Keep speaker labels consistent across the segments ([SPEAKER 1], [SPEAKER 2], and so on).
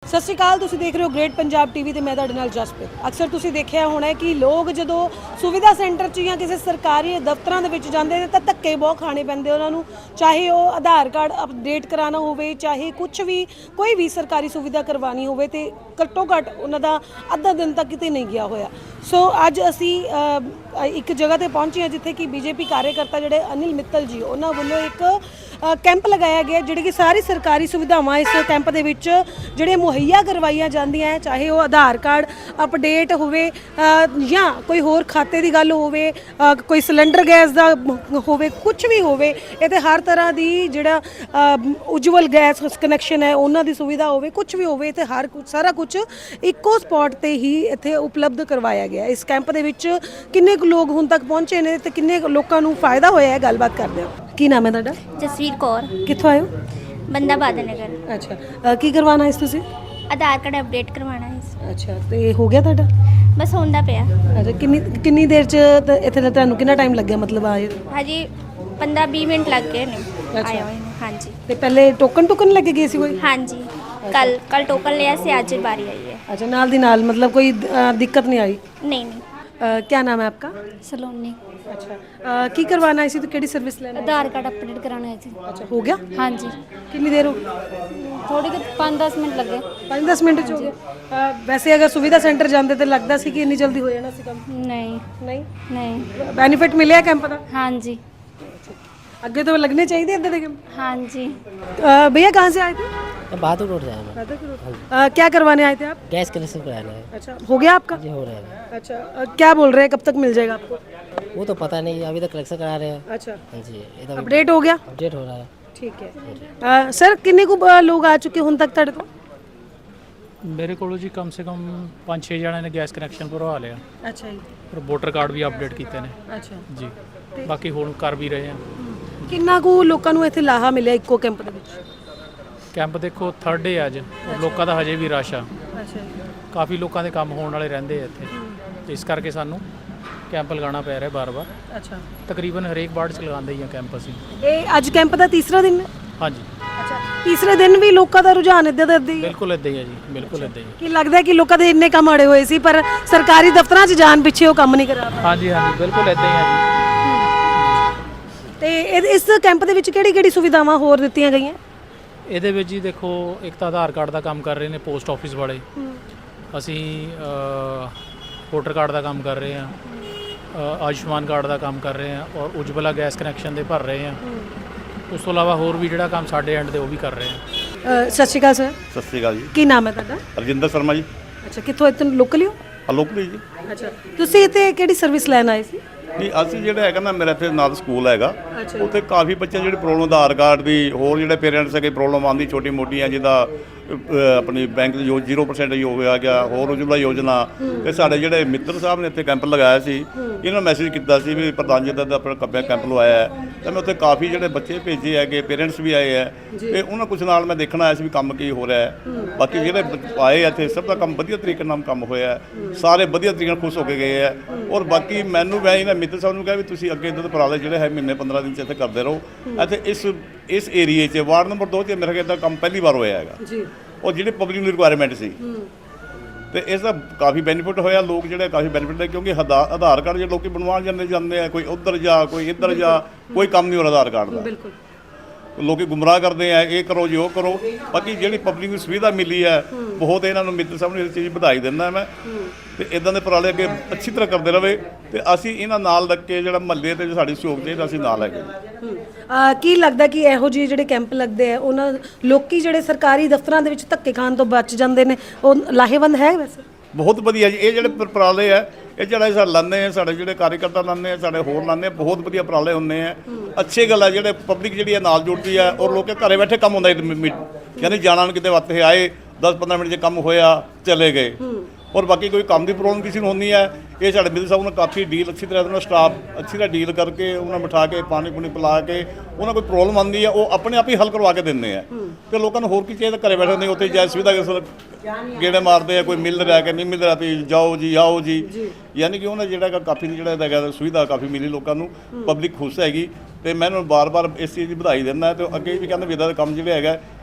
[SPEAKER 1] ਸਤਿ ਸ਼੍ਰੀ ਅਕਾਲ। ਤੁਸੀਂ ਦੇਖ ਰਹੇ ਹੋ ਗ੍ਰੇਟ ਪੰਜਾਬ ਟੀਵੀ ਤੇ ਮੈਂ ਤੁਹਾਡੇ ਨਾਲ ਜਸਪ੍ਰੀਤ। ਅਕਸਰ ਤੁਸੀਂ ਦੇਖਿਆ ਹੋਣਾ ਕਿ ਲੋਕ ਜਦੋਂ ਸੁਵਿਧਾ ਸੈਂਟਰ 'ਚ ਜਾਂ ਕਿਸੇ ਸਰਕਾਰੀ ਦਫ਼ਤਰਾਂ ਦੇ ਵਿੱਚ ਜਾਂਦੇ ਨੇ ਤਾਂ ਧੱਕੇ ਬਹੁਤ ਖਾਣੇ ਪੈਂਦੇ ਉਹਨਾਂ ਨੂੰ, ਚਾਹੇ ਉਹ ਆਧਾਰ ਕਾਰਡ ਅਪਡੇਟ ਕਰਾਉਣਾ ਹੋਵੇ, ਚਾਹੇ ਕੁਝ ਵੀ ਕੋਈ ਵੀ ਸਰਕਾਰੀ ਸੁਵਿਧਾ ਕਰਵਾਉਣੀ ਹੋਵੇ ਤੇ ਘੱਟੋ ਘੱਟ ਉਹਨਾਂ ਦਾ ਅੱਧਾ ਦਿਨ ਤੱਕ ਕਿਤੇ ਨਹੀਂ ਗਿਆ ਹੋਇਆ। ਸੋ ਅੱਜ ਅਸੀਂ ਇੱਕ ਜਗ੍ਹਾ ਤੇ ਪਹੁੰਚੇ ਹਾਂ ਜਿੱਥੇ ਕਿ ਬੀਜੇਪੀ ਕਾਰਜਕਰਤਾ ਜਿਹੜੇ ਅਨਿਲ ਮਿੱਤਲ ਜੀ ਉਹਨਾਂ ਵੱਲੋਂ ਇੱਕ ਕੈਂਪ ਲਗਾਇਆ ਗਿਆ, ਜਿਹੜੇ ਕਿ ਸਾਰੀ ਸਰਕਾਰੀ ਸੁਵਿਧਾਵਾਂ ਇਸ ਕੈਂਪ ਦੇ ਵਿੱਚ ਜਿਹੜੇ ਮੁਹੱਈਆ ਕਰਵਾਈਆਂ ਜਾਂਦੀਆਂ, ਚਾਹੇ ਉਹ ਆਧਾਰ ਕਾਰਡ ਅਪਡੇਟ ਹੋਵੇ ਜਾਂ ਕੋਈ ਹੋਰ ਖਾਤੇ ਦੀ ਗੱਲ ਹੋਵੇ, ਕੋਈ ਸਿਲੰਡਰ ਗੈਸ ਦਾ ਹੋਵੇ, ਕੁਝ ਵੀ ਹੋਵੇ, ਇਹ ਤੇ ਹਰ ਤਰ੍ਹਾਂ ਦੀ ਜਿਹੜਾ ਉਜਵਲ ਗੈਸ ਕਨੈਕਸ਼ਨ ਹੈ ਉਹਨਾਂ ਦੀ ਸੁਵਿਧਾ ਹੋਵੇ, ਕੁਝ ਵੀ ਹੋਵੇ ਤੇ ਹਰ ਕੁਝ ਸਾਰਾ ਕੁਝ ਇੱਕੋ ਸਪੌਟ ਤੇ ਹੀ ਇੱਥੇ ਉਪਲਬਧ ਕਰਵਾਇਆ ਗਿਆ। ਇਸ ਕੈਂਪ ਦੇ ਵਿੱਚ ਕਿੰਨੇ ਕੁ ਲੋਕ ਹੁਣ ਤੱਕ ਪਹੁੰਚੇ ਨੇ ਤੇ ਕਿੰਨੇ ਲੋਕਾਂ ਨੂੰ ਫਾਇਦਾ ਹੋਇਆ ਹੈ, ਗੱਲਬਾਤ ਕਰਦੇ ਹਾਂ। ਕੀ ਨਾਮ ਹੈ ਤੁਹਾਡਾ?
[SPEAKER 2] ਜਸਵੀਰ ਕੌਰ।
[SPEAKER 1] ਕਿੱਥੋਂ ਆਏ ਹੋ?
[SPEAKER 2] ਬੰਦਾ ਬਾਦਲ ਨਗਰ।
[SPEAKER 1] ਅੱਛਾ, ਕੀ ਕਰਵਾਉਣਾ ਇਸ ਤੁਸੀਂ?
[SPEAKER 2] ਆਧਾਰ ਕਾਰਡ ਅਪਡੇਟ ਕਰਵਾਉਣਾ ਹੈ।
[SPEAKER 1] ਅੱਛਾ, ਤੇ ਹੋ ਗਿਆ ਤੁਹਾਡਾ?
[SPEAKER 2] ਬਸ ਹੁੰਦਾ ਪਿਆ।
[SPEAKER 1] ਅੱਛਾ, ਕਿੰਨੀ ਦੇਰ ਚ ਇੱਥੇ ਦਾ ਤੁਹਾਨੂੰ ਕਿੰਨਾ ਟਾਈਮ ਲੱਗਿਆ ਮਤਲਬ ਆਏ?
[SPEAKER 2] ਹਾਂਜੀ 15-20 ਮਿੰਟ ਲੱਗ ਗਏ ਨੇ ਆਏ ਹੋਏ ਨੇ। ਹਾਂਜੀ,
[SPEAKER 1] ਤੇ ਪਹਿਲੇ ਟੋਕਨ ਲੱਗੇ ਗਏ ਸੀ ਕੋਈ?
[SPEAKER 2] ਹਾਂਜੀ, ਕੱਲ ਟੋਕਨ ਲਿਆ ਸੀ, ਅੱਜ ਬਾਰੀ ਆਈ ਹੈ।
[SPEAKER 1] अच्छा, नाल दी नाल मतलब कोई दिक्कत नहीं आई?
[SPEAKER 2] नहीं।
[SPEAKER 1] क्या नाम है आपका?
[SPEAKER 3] सलोनी।
[SPEAKER 1] अच्छा, की करवाना है इसी तो केड़ी सर्विस लेना?
[SPEAKER 3] आधार कार्ड अपडेट कराना है जी।
[SPEAKER 1] अच्छा, हो गया?
[SPEAKER 3] हाँ जी,
[SPEAKER 1] कितनी देर हो गई?
[SPEAKER 3] थोड़ी देर 5-10 मिनट लगे।
[SPEAKER 1] 5-10 मिनट हो गए। वैसे अगर सुविधा सेंटर जाते तो लगता सी कि इन्नी जल्दी हो जाना सी काम?
[SPEAKER 3] नहीं
[SPEAKER 1] नहीं।
[SPEAKER 3] नहीं।
[SPEAKER 1] बेनीफिट मिले कैंप का?
[SPEAKER 3] हाँ जी।
[SPEAKER 1] अगे तो लगने चाहिए इधर के।
[SPEAKER 3] हाँ जी।
[SPEAKER 1] भैया कहाँ से आए थे?
[SPEAKER 4] बहादुर रोड से आए मैं।
[SPEAKER 1] क्या करवाने आए थे आप?
[SPEAKER 4] गैस कनेक्शन कराना है।
[SPEAKER 1] अच्छा, हो गया आपका?
[SPEAKER 4] जी हो रहा है।
[SPEAKER 1] अच्छा, क्या बोल रहे हैं कब तक मिल जाएगा आपको?
[SPEAKER 4] वो तो पता नहीं, अभी तक कलेक्शन करा रहे हैं।
[SPEAKER 1] अच्छा,
[SPEAKER 4] हाँ जी, ये तो
[SPEAKER 1] अपडेट हो गया?
[SPEAKER 4] अपडेट हो रहा है।
[SPEAKER 1] ठीक है। सर किन्ने को लोग आ चुके हुण तक ਤੁਹਾਡੇ ਕੋਲ?
[SPEAKER 5] ਮੇਰੇ ਕੋਲ ਜੀ ਕਮ ਸੇ ਕਮ 5-6 ਜਣਿਆਂ ਨੇ ਗੈਸ ਕਨੈਕਸ਼ਨ ਭਰਵਾ ਲਿਆ।
[SPEAKER 1] ਅੱਛਾ ਜੀ।
[SPEAKER 5] ਪਰ ਵੋਟਰ ਕਾਰਡ ਵੀ ਅਪਡੇਟ ਕੀਤੇ ਨੇ
[SPEAKER 1] ਅੱਛਾ
[SPEAKER 5] ਜੀ। ਬਾਕੀ ਹੁਣ ਕਰ ਵੀ ਰਹੇ ਆ।
[SPEAKER 1] ਕਿੰਨਾ ਕੁ ਲੋਕਾਂ ਨੂੰ ਇੱਥੇ ਲਾਹਾ ਮਿਲਿਆ ਇੱਕੋ ਕੈਂਪ ਦੇ ਵਿੱਚ?
[SPEAKER 5] ਕੈਂਪ ਦੇਖੋ 3rd ਡੇ ਅੱਜ, ਔਰ ਲੋਕਾਂ ਦਾ ਹਜੇ ਵੀ ਰਸ਼ ਆ।
[SPEAKER 1] ਅੱਛਾ ਜੀ।
[SPEAKER 5] ਕਾਫੀ ਲੋਕਾਂ ਦੇ ਕੰਮ ਹੋਣ ਵਾਲੇ ਰਹਿੰਦੇ ਆ ਇੱਥੇ, ਤੇ ਇਸ ਕਰਕੇ ਸਾਨੂੰ ਕੈਂਪ ਲਗਾਉਣਾ ਪੈ ਰਿਹਾ ਬਾਰ-ਬਾਰ।
[SPEAKER 1] ਅੱਛਾ,
[SPEAKER 5] ਤਕਰੀਬਨ ਹਰੇਕ ਵਾਰਡ 'ਚ ਲਗਾਉਂਦੇ ਹੀ ਆ ਕੈਂਪ ਅਸੀਂ।
[SPEAKER 1] ਇਹ ਅੱਜ ਕੈਂਪ ਦਾ ਤੀਸਰਾ ਦਿਨ ਹੈ?
[SPEAKER 5] ਹਾਂਜੀ,
[SPEAKER 1] ਅੱਛਾ, ਤੀਸਰੇ ਦਿਨ ਵੀ ਲੋਕਾਂ ਦਾ ਰੁਝਾਨ ਇੱਦਾਂ ਦਾ ਹੀ ਹੈ?
[SPEAKER 5] ਬਿਲਕੁਲ ਇੱਦਾਂ ਹੀ ਆ ਜੀ, ਬਿਲਕੁਲ ਇੱਦਾਂ ਹੀ ਆ।
[SPEAKER 1] ਕੀ ਲੱਗਦਾ ਹੈ ਕਿ ਲੋਕਾਂ ਦੇ ਇੰਨੇ ਕੰਮ ਅੜੇ ਹੋਏ ਸੀ ਪਰ ਸਰਕਾਰੀ ਦਫ਼ਤਰਾਂ 'ਚ ਜਾਣ ਪਿੱਛੇ ਉਹ ਕੰਮ ਨਹੀਂ ਕਰਾ ਰਹੇ?
[SPEAKER 5] ਹਾਂਜੀ ਹਾਂਜੀ, ਬਿਲਕੁਲ ਇੱਦਾਂ ਹੀ ਆ ਜੀ।
[SPEAKER 1] ਤੇ ਇਸ ਕੈਂਪ ਦੇ ਵਿੱਚ ਕਿਹੜੀ ਸੁਵਿਧਾਵਾਂ ਹੋਰ ਦਿੱਤੀਆਂ ਗਈਆਂ?
[SPEAKER 5] ਇਹਦੇ ਵਿੱਚ ਜੀ ਦੇਖੋ, ਇੱਕ ਤਾਂ ਆਧਾਰ ਕਾਰਡ ਦਾ ਕੰਮ ਕਰ ਰਹੇ ਨੇ ਪੋਸਟ ਆਫਿਸ ਵਾਲੇ, ਅਸੀਂ ਵੋਟਰ ਕਾਰਡ ਦਾ ਕੰਮ ਕਰ ਰਹੇ ਹਾਂ, ਆਯੁਸ਼ਮਾਨ ਕਾਰਡ ਦਾ ਕੰਮ ਕਰ ਰਹੇ ਹਾਂ, ਔਰ ਉਜਵਲਾ ਗੈਸ ਕਨੈਕਸ਼ਨ ਦੇ ਭਰ ਰਹੇ ਹਾਂ। ਉਸ ਤੋਂ ਇਲਾਵਾ ਹੋਰ ਵੀ ਜਿਹੜਾ ਕੰਮ ਸਾਡੇ ਐਂਡ ਤੇ ਉਹ ਵੀ ਕਰ ਰਹੇ ਹਾਂ।
[SPEAKER 1] ਸਤਿ ਸ਼੍ਰੀ ਅਕਾਲ ਸਰ।
[SPEAKER 6] ਸਤਿ ਸ਼੍ਰੀ ਅਕਾਲ ਜੀ।
[SPEAKER 1] ਕੀ ਨਾਮ ਹੈ ਤੁਹਾਡਾ?
[SPEAKER 6] ਰਜਿੰਦਰ ਸ਼ਰਮਾ ਜੀ।
[SPEAKER 1] ਅੱਛਾ, ਕਿੱਥੋਂ ਇੱਥੇ ਲੋਕਲ ਹੀ ਹੋ?
[SPEAKER 6] ਲੋਕਲੀ ਜੀ।
[SPEAKER 1] ਅੱਛਾ, ਤੁਸੀਂ ਇੱਥੇ ਕਿਹੜੀ ਸਰਵਿਸ ਲੈਣ ਆਏ ਸੀ?
[SPEAKER 6] ਨਹੀਂ, ਅਸੀਂ ਜਿਹੜਾ ਹੈਗਾ ਨਾ, ਮੇਰਾ ਇੱਥੇ ਨਾਲ ਸਕੂਲ ਹੈਗਾ,
[SPEAKER 1] ਅੱਛਾ।
[SPEAKER 6] ਉੱਥੇ ਕਾਫੀ ਬੱਚੇ ਜਿਹੜੇ ਪ੍ਰੋਬਲਮ ਆਧਾਰ ਕਾਰਡ ਦੀ, ਹੋਰ ਜਿਹੜੇ ਪੇਰੈਂਟਸ ਹੈਗੇ ਪ੍ਰੋਬਲਮ ਆਉਂਦੀ ਛੋਟੀ ਮੋਟੀਆਂ, ਜਿਹਦਾ ਆਪਣੀ ਬੈਂਕ ਦੀ 0% ਹੋ ਗਿਆ, ਹੋਰ ਉਜਵਲਾ ਯੋਜਨਾ। ਤੇ ਸਾਡੇ ਜਿਹੜੇ ਮਿੱਤਰ ਸਾਹਿਬ ਨੇ ਇੱਥੇ ਕੈਂਪ ਲਗਾਇਆ ਸੀ, ਇਹਨਾਂ ਨੂੰ ਮੈਸੇਜ ਕੀਤਾ ਸੀ ਵੀ ਪ੍ਰਧਾਨ ਜੀ ਦਾ ਆਪਣਾ ਕੈਂਪ ਲਵਾਇਆ ਹੈ, ਤੇ ਮੈਂ ਉੱਥੇ ਕਾਫੀ ਜਿਹੜੇ ਬੱਚੇ ਭੇਜੇ ਹੈਗੇ, ਪੇਰੈਂਟਸ ਵੀ ਆਏ ਹੈ, ਤੇ ਉਹਨਾਂ ਕੁਝ ਨਾਲ ਮੈਂ ਦੇਖਣ ਆਇਆ ਸੀ ਵੀ ਕੰਮ ਕੀ ਹੋ ਰਿਹਾ ਹੈ। ਬਾਕੀ ਜਿਹੜੇ ਆਏ ਇੱਥੇ ਸਭ ਦਾ ਕੰਮ ਵਧੀਆ ਤਰੀਕੇ ਨਾਲ ਕੰਮ ਹੋਇਆ ਹੈ, ਸਾਰੇ ਵਧੀਆ ਤਰੀਕੇ ਨਾਲ ਖੁਸ਼ ਹੋ ਕੇ ਗਏ ਹੈ। ਔਰ ਬਾਕੀ ਮੈਨੂੰ ਮੈਂ ਇਹਨਾਂ ਮਿੱਤਰ ਸਾਹਿਬ ਨੂੰ ਕਿਹਾ ਵੀ ਤੁਸੀਂ ਅੱਗੇ ਇੱਦਾਂ ਦੇ ਉਪਰਾਲੇ ਜਿਹੜੇ ਹੈ ਮਹੀਨੇ 15 ਦਿਨ 'ਚ ਇੱਥੇ ਕਰਦੇ ਰਹੋ। ਇੱਥੇ ਇਸ ਏਰੀਏ 'ਚ ਵਾਰਡ ਨੰਬਰ 2 'ਚ ਮੇਰੇ ਖਿਆਲ ਦਾ ਕੰਮ ਪਹਿਲੀ ਵਾਰ ਹੋਇਆ ਹੈਗਾ ਜੀ। ਉਹ ਜਿਹੜੇ ਪਬਲਿਕ ਨੂੰ ਰਿਕੁਆਇਰਮੈਂਟ ਸੀ, ਤੇ ਇਸ ਦਾ ਕਾਫੀ ਬੈਨੀਫਿਟ ਹੋਇਆ। ਲੋਕ ਜਿਹੜੇ ਕਾਫੀ ਬੈਨੀਫਿਟ ਹੈ, ਕਿਉਂਕਿ ਆਧਾਰ ਕਾਰਡ ਜੇ ਲੋਕੀ ਬਣਵਾਉਣ ਜਾਂਦੇ ਆ, ਕੋਈ ਉੱਧਰ ਜਾ, ਕੋਈ ਇੱਧਰ ਜਾ, ਕੋਈ ਕੰਮ ਨਹੀਂ ਹੋ ਰਿਹਾ ਆਧਾਰ ਕਾਰਡ ਦਾ। ਬਿਲਕੁਲ, ਲੋਕੀ ਗੁੰਮਰਾਹ ਕਰਦੇ ਆ, ਇਹ ਕਰੋ ਜੀ ਉਹ ਕਰੋ। ਬਾਕੀ ਜਿਹੜੀ ਪਬਲਿਕ ਨੂੰ ਸੁਵਿਧਾ ਮਿਲੀ ਹੈ, ਬਹੁਤ ਇਹਨਾਂ ਨੂੰ ਮਿੱਤਰ ਸਾਹਿਬ ਨੂੰ ਇਸ ਚੀਜ਼ ਵਧਾਈ ਦਿੰਦਾ ਮੈਂ। ਤੇ ਇਦਾਂ ਦੇ ਉਪਰਾਲੇ ਅੱਗੇ ਅੱਛੀ ਤਰ੍ਹਾਂ ਕਰਦੇ ਰਹੇ, ਤੇ ਅਸੀਂ ਇਹਨਾਂ ਨਾਲ ਲੱਗ ਕੇ ਜਿਹੜਾ ਮਹੱਲੇ ਤੇ ਸਾਡੀ ਸਹਿਯੋਗ ਚਾਹੀਦਾ ਅਸੀਂ ਨਾਲ ਹੈਗੇ।
[SPEAKER 1] ਕੀ ਲੱਗਦਾ ਕਿ ਇਹੋ ਜਿਹੇ ਜਿਹੜੇ ਕੈਂਪ ਲੱਗਦੇ ਆ ਉਹਨਾਂ ਲੋਕੀ ਜਿਹੜੇ ਸਰਕਾਰੀ ਦਫ਼ਤਰਾਂ ਦੇ ਵਿੱਚ ਧੱਕੇ ਖਾਣ ਤੋਂ ਬਚ ਜਾਂਦੇ ਨੇ, ਉਹ ਲਾਹੇਵੰਦ ਹੈ? ਵੈਸੇ
[SPEAKER 6] ਬਹੁਤ ਵਧੀਆ ਜੀ ਇਹ ਜਿਹੜੇ ਉਪਰਾਲੇ ਆ, ਇਹ ਜਿਹੜਾ ਸਾਡੇ ਲਾਉਂਦੇ ਆ, ਸਾਡੇ ਜਿਹੜੇ ਕਾਰਜਕਰਤਾ ਲਾਉਂਦੇ ਆ, ਸਾਡੇ ਹੋਰ ਲਾਉਂਦੇ ਆ, ਬਹੁਤ ਵਧੀਆ ਉਪਰਾਲੇ ਹੁੰਦੇ ਆ। ਅੱਛੀ ਗੱਲ ਹੈ ਜਿਹੜੇ ਪਬਲਿਕ ਜਿਹੜੀ ਹੈ ਨਾਲ ਜੁੜਦੀ ਹੈ, ਔਰ ਲੋਕ ਘਰੇ ਬੈਠੇ ਕੰਮ ਹੁੰਦਾ, ਯਾਨੀ ਜਾਣਾ ਨੂੰ ਕਿਤੇ ਵਾਸਤੇ ਆਏ, 10-15 ਮਿੰਟ 'ਚ ਕੰਮ ਹੋਇਆ, ਚਲੇ ਗਏ। ਔਰ ਬਾਕੀ ਕੋਈ ਕੰਮ ਦੀ ਪ੍ਰੋਬਲਮ ਕਿਸੇ ਨੂੰ ਹੁੰਦੀ ਹੈ, ਇਹ ਸਾਡੇ ਮਿੱਤਰ ਸਾਹਿਬ ਨੇ ਕਾਫੀ ਡੀਲ ਅੱਛੀ ਤਰ੍ਹਾਂ ਨਾਲ ਸਟਾਫ ਅੱਛੀ ਤਰ੍ਹਾਂ ਡੀਲ ਕਰਕੇ ਉਹਨਾਂ ਨੂੰ ਬਿਠਾ ਕੇ ਪਾਣੀ ਪੂਣੀ ਪਿਲਾ ਕੇ, ਉਹਨਾਂ ਕੋਈ ਪ੍ਰੋਬਲਮ ਆਉਂਦੀ ਹੈ ਉਹ ਆਪਣੇ ਆਪ ਹੀ ਹੱਲ ਕਰਵਾ ਕੇ ਦਿੰਦੇ ਆ। ਤੇ ਲੋਕਾਂ ਨੂੰ ਹੋਰ ਕੀ ਚਾਹੀਦਾ, ਘਰੇ ਬੈਠੇ ਨਹੀਂ, ਉੱਥੇ ਜਾਇ ਸੁਵਿਧਾ ਗੇੜੇ ਮਾਰਦੇ ਆ, ਕੋਈ ਮਿਲ ਰਿਹਾ ਕਿ ਨਹੀਂ ਮਿਲ ਰਿਹਾ, ਤੇ ਜਾਓ ਜੀ ਆਓ ਜੀ। ਯਾਨੀ ਕਿ ਉਹਨਾਂ ਜਿਹੜਾ ਕਾਫੀ ਜਿਹੜਾ ਹੈਗਾ ਸੁਵਿਧਾ ਕਾਫੀ ਮਿਲੀ ਲੋਕਾਂ ਨੂੰ, ਪਬਲਿਕ ਖੁਸ਼ ਹੈਗੀ। ਤੇ ਮੈਂ ਉਹਨਾਂ ਨੂੰ ਬਾਰ-ਬਾਰ ਇਸ ਚੀਜ਼ ਦੀ ਵਧਾਈ ਦਿੰਦਾ, ਤੇ ਅੱਗੇ ਵੀ ਕਹਿੰਦਾ ਵੀ ਇੱਦਾਂ ਦਾ ਕੰਮ ਜਿਹੜਾ ਹੈਗਾ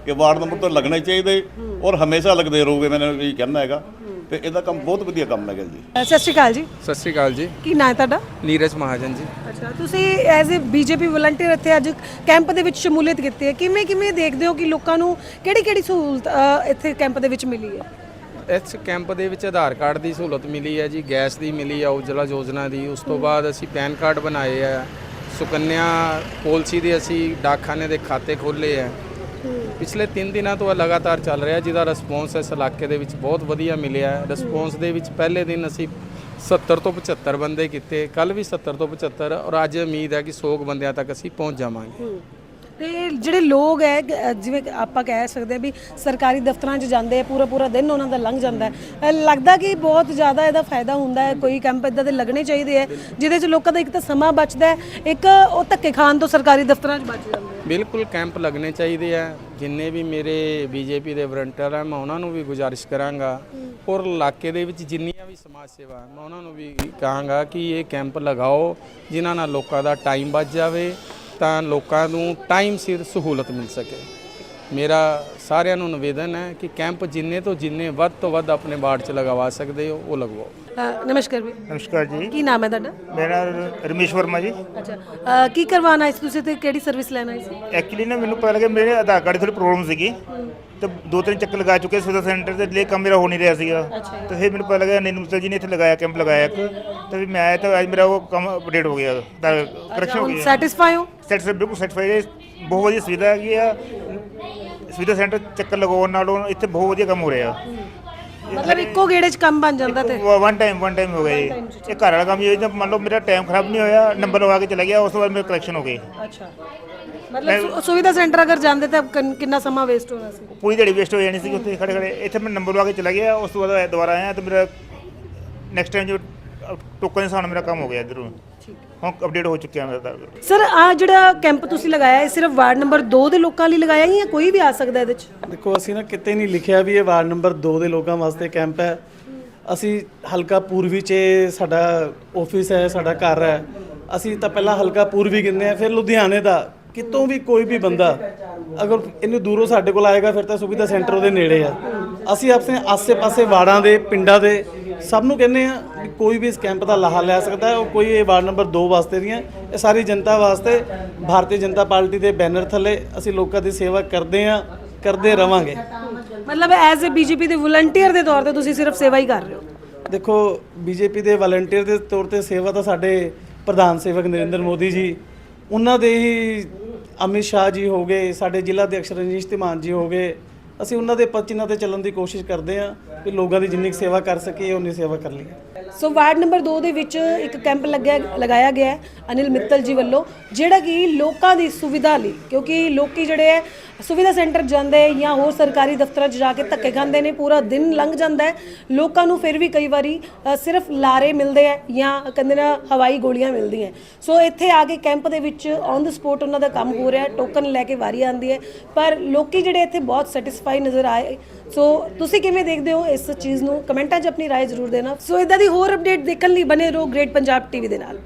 [SPEAKER 6] ਕਿ ਵਾਰਡ ਨੰਬਰ ਤੋਂ ਲੱਗਣੇ ਚਾਹੀਦੇ ਔਰ ਹਮੇਸ਼ਾ ਲੱਗਦੇ ਰਹੋਗੇ, ਮੈਨੂੰ ਇਹ ਕਹਿਣਾ ਹੈਗਾ। ਤੇ ਇਹਦਾ ਕੰਮ ਬਹੁਤ ਵਧੀਆ ਕੰਮ ਹੈਗਾ ਜੀ।
[SPEAKER 1] ਸਤਿ ਸ਼੍ਰੀ ਅਕਾਲ ਜੀ।
[SPEAKER 7] ਸਤਿ ਸ਼੍ਰੀ ਅਕਾਲ ਜੀ।
[SPEAKER 1] ਕੀ ਨਾਂ ਹੈ ਤੁਹਾਡਾ?
[SPEAKER 7] ਨੀਰਜ ਮਹਾਜਨ ਜੀ।
[SPEAKER 1] ਅੱਛਾ, ਤੁਸੀਂ ਐਜ਼ ਅ ਬੀਜੇਪੀ ਵਲੰਟੀਅਰ ਇੱਥੇ ਅੱਜ ਕੈਂਪ ਦੇ ਵਿੱਚ ਸ਼ਮੂਲੀਅਤ ਕੀਤੀ ਹੈ, ਕਿਵੇਂ ਦੇਖਦੇ ਹੋ ਕਿ ਲੋਕਾਂ ਨੂੰ ਕਿਹੜੀ ਸਹੂਲਤ ਇੱਥੇ ਕੈਂਪ ਦੇ ਵਿੱਚ ਮਿਲੀ ਹੈ?
[SPEAKER 7] ਇਸ ਕੈਂਪ ਦੇ ਵਿੱਚ ਆਧਾਰ ਕਾਰਡ ਦੀ ਸਹੂਲਤ ਮਿਲੀ ਹੈ ਜੀ, ਗੈਸ ਦੀ ਮਿਲੀ ਹੈ, ਉਜਲਾ ਯੋਜਨਾ ਦੀ। ਉਸ ਤੋਂ ਬਾਅਦ ਅਸੀਂ ਪੈਨ ਕਾਰਡ ਬਣਾਏ ਆ, ਸੁਕੰਨਿਆ ਪਾਲਿਸੀ ਦੇ ਅਸੀਂ ਡਾਕਖਾਨੇ ਦੇ ਖਾਤੇ ਖੋਲ੍ਹੇ ਆ। ਪਿਛਲੇ 3 ਦਿਨਾਂ ਤੋਂ ਲਗਾਤਾਰ ਚੱਲ ਰਿਹਾ, ਜਿਹਦਾ ਰਿਸਪੌਂਸ ਇਸ ਇਲਾਕੇ ਦੇ ਵਿੱਚ ਬਹੁਤ ਵਧੀਆ ਮਿਲਿਆ ਹੈ। ਰਿਸਪੌਂਸ ਦੇ ਵਿੱਚ ਪਹਿਲੇ ਦਿਨ ਅਸੀਂ 70 ਤੋਂ 75 ਬੰਦੇ ਕੀਤੇ, ਕੱਲ ਵੀ 70 ਤੋਂ 75, ਔਰ ਅੱਜ ਉਮੀਦ ਹੈ ਕਿ 100 ਬੰਦਿਆਂ ਤੱਕ ਅਸੀਂ ਪਹੁੰਚ ਜਾਵਾਂਗੇ।
[SPEAKER 1] ਤੇ ਜਿਹੜੇ ਲੋਕ ਹੈ, ਜਿਵੇਂ ਕਿ ਆਪਾਂ ਕਹਿ ਸਕਦੇ ਹਾਂ ਵੀ ਸਰਕਾਰੀ ਦਫ਼ਤਰਾਂ 'ਚ ਜਾਂਦੇ ਆ, ਪੂਰਾ ਦਿਨ ਉਹਨਾਂ ਦਾ ਲੰਘ ਜਾਂਦਾ ਹੈ, ਲੱਗਦਾ ਕਿ ਬਹੁਤ ਜ਼ਿਆਦਾ ਇਹਦਾ ਫਾਇਦਾ ਹੁੰਦਾ ਹੈ। ਕੋਈ ਕੈਂਪ ਇੱਦਾਂ ਦੇ ਲੱਗਣੇ ਚਾਹੀਦੇ ਹੈ ਜਿਹਦੇ 'ਚ ਲੋਕਾਂ ਦਾ ਇੱਕ ਤਾਂ ਸਮਾਂ ਬਚਦਾ ਹੈ, ਇੱਕ ਉਹ ਧੱਕੇ ਖਾਣ ਤੋਂ ਸਰਕਾਰੀ ਦਫ਼ਤਰਾਂ 'ਚ ਬਚ ਜਾਂਦੇ ਆ।
[SPEAKER 7] ਬਿਲਕੁਲ ਕੈਂਪ ਲੱਗਣੇ ਚਾਹੀਦੇ ਆ। ਜਿੰਨੇ ਵੀ ਮੇਰੇ ਬੀਜੇਪੀ ਦੇ ਵਲੰਟੀਅਰ ਆ, ਮੈਂ ਉਹਨਾਂ ਨੂੰ ਵੀ ਗੁਜ਼ਾਰਿਸ਼ ਕਰਾਂਗਾ, ਔਰ ਇਲਾਕੇ ਦੇ ਵਿੱਚ ਜਿੰਨੀਆਂ ਵੀ ਸਮਾਜ ਸੇਵਾ, ਮੈਂ ਉਹਨਾਂ ਨੂੰ ਵੀ ਕਹਾਂਗਾ ਕਿ ਇਹ ਕੈਂਪ ਲਗਾਓ, ਜਿਨ੍ਹਾਂ ਨਾਲ ਲੋਕਾਂ ਦਾ ਟਾਈਮ ਬਚ ਜਾਵੇ, ਤਾਂ ਲੋਕਾਂ ਨੂੰ ਟਾਈਮ ਸਿਰ ਸਹੂਲਤ ਮਿਲ ਸਕੇ। ਮੇਰਾ ਸਾਰਿਆਂ ਨੂੰ ਨਿਵੇਦਨ ਹੈ ਕਿ ਕੈਂਪ ਜਿੰਨੇ ਤੋਂ ਜਿੰਨੇ ਵੱਧ ਤੋਂ ਵੱਧ ਆਪਣੇ ਵਾਰਡ 'ਚ ਲਗਵਾ ਸਕਦੇ ਹੋ ਉਹ ਲਗਵਾਓ।
[SPEAKER 1] ਨਮਸਕਾਰ ਵੀ।
[SPEAKER 8] ਨਮਸਕਾਰ ਜੀ।
[SPEAKER 1] ਕੀ ਨਾਮ ਹੈ ਤੁਹਾਡਾ?
[SPEAKER 8] ਮੇਰਾ ਰਮੇਸ਼ ਵਰਮਾ ਜੀ।
[SPEAKER 1] ਅੱਛਾ, ਕੀ ਕਰਵਾਉਣਾ ਆਏ ਸੀ ਤੁਸੀਂ ਤੇ ਕਿਹੜੀ ਸਰਵਿਸ ਲੈਣ ਆਏ ਸੀ?
[SPEAKER 8] ਐਕਚੁਅਲੀ ਨਾ ਮੈਨੂੰ ਪਤਾ ਲੱਗਿਆ ਮੇਰੇ ਆਧਾਰ ਕਾਰਡ ਦੀ ਥੋੜੀ ਪ੍ਰੋਬਲਮ ਸੀਗੀ, ਤੇ 2-3 ਚੱਕਰ ਲਗਾ ਚੁੱਕੇ ਸੁਵਿਧਾ ਸੈਂਟਰ ਤੇ, ਲਈ ਕੰਮ ਮੇਰਾ ਹੋ ਨਹੀਂ ਰਿਹਾ ਸੀਗਾ। ਤੇ ਫਿਰ ਮੈਨੂੰ ਪਤਾ ਲੱਗਿਆ ਨੀਰੂ ਮਿੱਤਲ ਜੀ ਨੇ ਇੱਥੇ ਲਗਾਇਆ, ਕੈਂਪ ਲਗਾਇਆ ਇੱਕ, ਤੇ ਵੀ ਮੈਂ ਆਇਆ ਤਾਂ ਅੱਜ ਮੇਰਾ ਉਹ ਕੰਮ ਅਪਡੇਟ ਹੋ ਗਿਆ, ਕਰੈਕਸ਼ਨ ਹੋ ਗਿਆ।
[SPEAKER 1] ਸੈਟੀਸਫਾਈ ਹੋ?
[SPEAKER 8] ਬਿਲਕੁਲ ਸੈਟੀਸਫਾਈ ਹੈ। ਬਹੁਤ ਵਧੀਆ ਸੁਵਿਧਾ ਹੈਗੀ ਆ। ਸੁਵਿਧਾ ਸੈਂਟਰ ਚੱਕਰ ਲਗਾਉਣ ਨਾਲੋਂ ਇੱਥੇ ਬਹੁਤ ਵਧੀਆ ਕੰਮ ਹੋ ਰਿਹਾ।
[SPEAKER 1] ਮਤਲਬ ਇੱਕੋ ਗੇੜੇ 'ਚ ਕੰਮ ਬਣ ਜਾਂਦਾ ਤੇ
[SPEAKER 8] ਵਨ ਟਾਈਮ ਹੋ ਗਿਆ ਜੀ। ਇਹ ਘਰ ਵਾਲਾ ਕੰਮ ਜੀ, ਮੰਨ ਲਓ ਮੇਰਾ ਟਾਈਮ ਖਰਾਬ ਨਹੀਂ ਹੋਇਆ, ਨੰਬਰ ਲਗਾ ਕੇ ਚਲਾ ਗਿਆ, ਉਸ ਤੋਂ ਬਾਅਦ ਮੇਰੇ ਕਰੈਕਸ਼ਨ ਹੋ ਗਏ।
[SPEAKER 1] ਅੱਛਾ, ਮਤਲਬ ਸੁਵਿਧਾ ਸੈਂਟਰ ਅਗਰ ਜਾਂਦੇ ਤਾਂ ਕਿੰਨਾ ਸਮਾਂ ਵੇਸਟ ਹੋਣਾ ਸੀ?
[SPEAKER 8] ਪੂਰੀ ਦਿਹਾੜੀ ਵੇਸਟ ਹੋ ਜਾਣੀ ਸੀ ਉੱਥੇ ਖੜੇ। ਇੱਥੇ ਮੈਂ ਨੰਬਰ ਲਗਾ ਕੇ ਚਲਾ ਗਿਆ, ਉਸ ਤੋਂ ਬਾਅਦ ਦੁਬਾਰਾ ਆਇਆ ਤੇ ਮੇਰਾ ਨੈਕਸਟ ਟਾਈਮ ਜੋ ਟੋਕਨ ਦੇ ਹਿਸਾਬ ਨਾਲ ਮੇਰਾ ਕੰਮ ਹੋ ਗਿਆ ਇੱਧਰੋਂ। ਹੁਣ ਅਪਡੇਟ ਹੋ ਚੁੱਕਿਆ ਮੇਰਾ।
[SPEAKER 1] ਸਰ, ਆ ਜਿਹੜਾ ਕੈਂਪ ਤੁਸੀਂ ਲਗਾਇਆ ਇਹ ਸਿਰਫ ਵਾਰਡ ਨੰਬਰ 2 ਦੇ ਲੋਕਾਂ ਲਈ ਲਗਾਇਆ ਜਾਂ ਕੋਈ ਵੀ ਆ ਸਕਦਾ ਇਹਦੇ 'ਚ?
[SPEAKER 9] ਦੇਖੋ, ਅਸੀਂ ਨਾ ਕਿਤੇ ਨਹੀਂ ਲਿਖਿਆ ਵੀ ਇਹ ਵਾਰਡ ਨੰਬਰ 2 ਦੇ ਲੋਕਾਂ ਵਾਸਤੇ ਕੈਂਪ ਹੈ। ਅਸੀਂ ਹਲਕਾ ਪੂਰਬੀ 'ਚ ਸਾਡਾ ਆਫਿਸ ਹੈ, ਸਾਡਾ ਘਰ ਹੈ। ਅਸੀਂ ਤਾਂ ਪਹਿਲਾਂ ਹਲਕਾ ਪੂਰਬੀ ਕਹਿੰਦੇ ਆ, ਫਿਰ ਲੁਧਿਆਣੇ ਦਾ ਕਿਤੋਂ ਵੀ ਕੋਈ ਵੀ ਬੰਦਾ ਅਗਰ ਇਹਨੂੰ ਦੂਰੋਂ ਸਾਡੇ ਕੋਲ ਆਏਗਾ ਫਿਰ ਤਾਂ ਸੁਵਿਧਾ ਸੈਂਟਰ ਉਹਦੇ ਨੇੜੇ ਆ। ਅਸੀਂ ਆਪਣੇ ਆਸੇ-ਪਾਸੇ ਵਾਰਡਾਂ ਦੇ, ਪਿੰਡਾਂ ਦੇ ਸਭ ਨੂੰ ਕਹਿੰਦੇ ਆ ਵੀ ਕੋਈ ਵੀ ਇਸ ਕੈਂਪ ਦਾ ਲਾਹਾ ਲੈ ਸਕਦਾ ਹੈ। ਉਹ ਕੋਈ ਇਹ ਵਾਰਡ ਨੰਬਰ 2 ਵਾਸਤੇ ਨਹੀਂ ਹੈ, ਇਹ ਸਾਰੀ ਜਨਤਾ ਵਾਸਤੇ। ਭਾਰਤੀ ਜਨਤਾ ਪਾਰਟੀ ਦੇ ਬੈਨਰ ਥੱਲੇ ਅਸੀਂ ਲੋਕਾਂ ਦੀ ਸੇਵਾ ਕਰਦੇ ਆ, ਕਰਦੇ ਰਵਾਂਗੇ।
[SPEAKER 1] ਮਤਲਬ ਐਜ਼ ਅ ਬੀਜੇਪੀ ਦੇ ਵਲੰਟੀਅਰ ਦੇ ਤੌਰ ਤੇ ਤੁਸੀਂ ਸਿਰਫ ਸੇਵਾ ਹੀ ਕਰ ਰਹੇ ਹੋ?
[SPEAKER 9] ਦੇਖੋ, ਬੀਜੇਪੀ ਦੇ ਵਲੰਟੀਅਰ ਦੇ ਤੌਰ ਤੇ ਸੇਵਾ ਤਾਂ ਸਾਡੇ ਪ੍ਰਧਾਨ ਸੇਵਕ ਨਰਿੰਦਰ ਮੋਦੀ ਜੀ, ਉਹਨਾਂ ਦੇ ਹੀ ਅਮਿਤ ਸ਼ਾਹ ਜੀ ਹੋ ਗਏ, ਸਾਡੇ ਜ਼ਿਲ੍ਹਾ ਅਧਿਕਸ਼ ਰਣਜੀਤ ਧੀਮਾਨ ਜੀ ਹੋ ਗਏ। ਅਸੀਂ ਉਹਨਾਂ ਦੇ ਪਚਿਨਾਂ ਤੇ ਚੱਲਣ ਦੀ ਕੋਸ਼ਿਸ਼ ਕਰਦੇ ਹਾਂ ਕਿ ਲੋਕਾਂ ਦੀ ਜਿੰਨੀ ਸੇਵਾ ਕਰ ਸਕੀਏ ਉਨੀ ਸੇਵਾ ਕਰ ਲਈਏ।
[SPEAKER 1] ਸੋ ਵਾਰਡ ਨੰਬਰ 2 ਦੇ ਵਿੱਚ ਇੱਕ ਕੈਂਪ ਲਗਾਇਆ ਗਿਆ ਹੈ ਅਨਿਲ ਮਿੱਤਲ ਜੀ ਵੱਲੋਂ, ਜਿਹੜਾ ਕਿ ਲੋਕਾਂ ਦੀ ਸੁਵਿਧਾ ਲਈ, ਕਿਉਂਕਿ ਲੋਕੀ ਜਿਹੜੇ ਹੈ ਸੁਵਿਧਾ ਸੈਂਟਰ ਜਾਂਦੇ ਜਾਂ ਹੋਰ ਸਰਕਾਰੀ ਦਫ਼ਤਰਾਂ 'ਚ ਜਾ ਕੇ ਧੱਕੇ ਖਾਂਦੇ ਨੇ, ਪੂਰਾ ਦਿਨ ਲੰਘ ਜਾਂਦਾ ਹੈ। ਲੋਕਾਂ ਨੂੰ ਫਿਰ ਵੀ ਕਈ ਵਾਰੀ ਸਿਰਫ ਲਾਰੇ ਮਿਲਦੇ ਆ ਜਾਂ ਕਹਿੰਦੇ ਨਾ ਹਵਾਈ ਗੋਲੀਆਂ ਮਿਲਦੀਆਂ। ਸੋ ਇੱਥੇ ਆ ਕੇ ਕੈਂਪ ਦੇ ਵਿੱਚ ਔਨ ਦ ਸਪੋਟ ਉਹਨਾਂ ਦਾ ਕੰਮ ਹੋ ਰਿਹਾ, ਟੋਕਨ ਲੈ ਕੇ ਵਾਰੀ ਆਉਂਦੀ ਹੈ, ਪਰ ਲੋਕੀ ਜਿਹੜੇ ਇੱਥੇ ਬਹੁਤ ਸੈਟੀਸਫਾਈ ਨਜ਼ਰ ਆਏ। ਸੋ ਤੁਸੀਂ ਕਿਵੇਂ ਦੇਖਦੇ ਹੋ ਇਸ ਚੀਜ਼ ਨੂੰ? ਕਮੈਂਟਾਂ 'ਚ ਆਪਣੀ ਰਾਏ ਜ਼ਰੂਰ ਦੇਣਾ। ਸੋ ਇਦਾਂ ਦੀ ਹੋਰ ਅਪਡੇਟ ਦੇਖਣ ਲਈ ਬਨੇ ਰਹੋ ਗ੍ਰੇਟ ਪੰਜਾਬ ਟੀਵੀ ਦੇ ਨਾਲ।